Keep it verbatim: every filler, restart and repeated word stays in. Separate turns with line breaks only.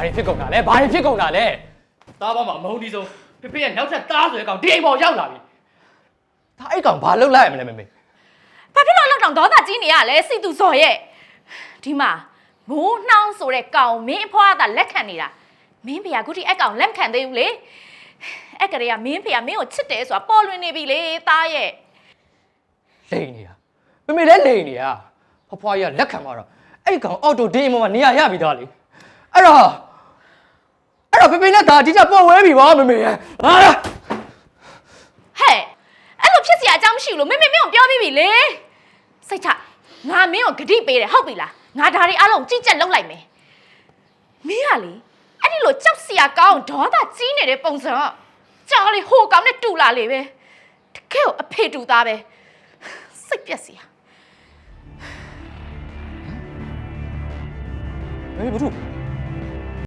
တွေဖြစ်ကုန်တာလဲဘာတွေဖြစ်ကုန်တာလဲ
သားပေါင်းမှာမုံဒီဆုံးဖေဖေရဲ့နောက်ထပ်သားဆိုတဲ့ကောင်ဒီအိမ်ပေါ်ရောက်လာပြီ
ဒါအဲ့ကောင်ဘာလုပ်လိုက်ရမလဲမေမေ
ဘာဖြစ်လို့လောက်တောင်ဒေါသကြီးနေရလဲစီသူစော်ရဲ့ဒီမှာမိုးနှောင်းဆိုတဲ့ကောင်မင်းအဖွားကလက်ခံနေတာမင်းဖေကခုထိအဲ့ကောင်လက်ခံသေးဘူးလေအဲ့ကလေးကမင်းဖေကမင်းကိုချစ်တယ်ဆိုတာပေါ်လွင်နေပြီလေသားရဲ့
လိန်နေတာမေမေလည်းလိန်နေတာဖွားဖွားကြီးကလက်ခံသွားတော့အဲ့ကောင်အော်တိုဒီအိမ်ပေါ်မှာနေရာရပြီသားလေအဲ့တော့အဲ့တော့ဖေဖေနဲ့ဒါအတိအကျပေါ်ဝဲပြီပါမေမေရဲ့ဟာ
ဟဲ့အဲ့လိုဖြစ်စရာအကြောင်းမရှိဘူးလို့မင်းမင်းမင်းကိုပြောပြီးပြီလေစိတ်ချငါမင်းကိုဂတိပေးတယ်ဟုတ်ပြီလားငါဒါတွေအားလုံးကြည့်ကြက်လုပ်လိုက်မယ်မင်းကလေအဲ့ဒီလိုကြောက်စရာကောင်းဒေါသကြီးနေတဲ့ပုံစံကကြားလေဟိုကောင်နဲ့တူလာလေပဲတကယ်ကိုအဖေတူသားပဲစိတ်ပြက်စရာ
မေမေဘာလို့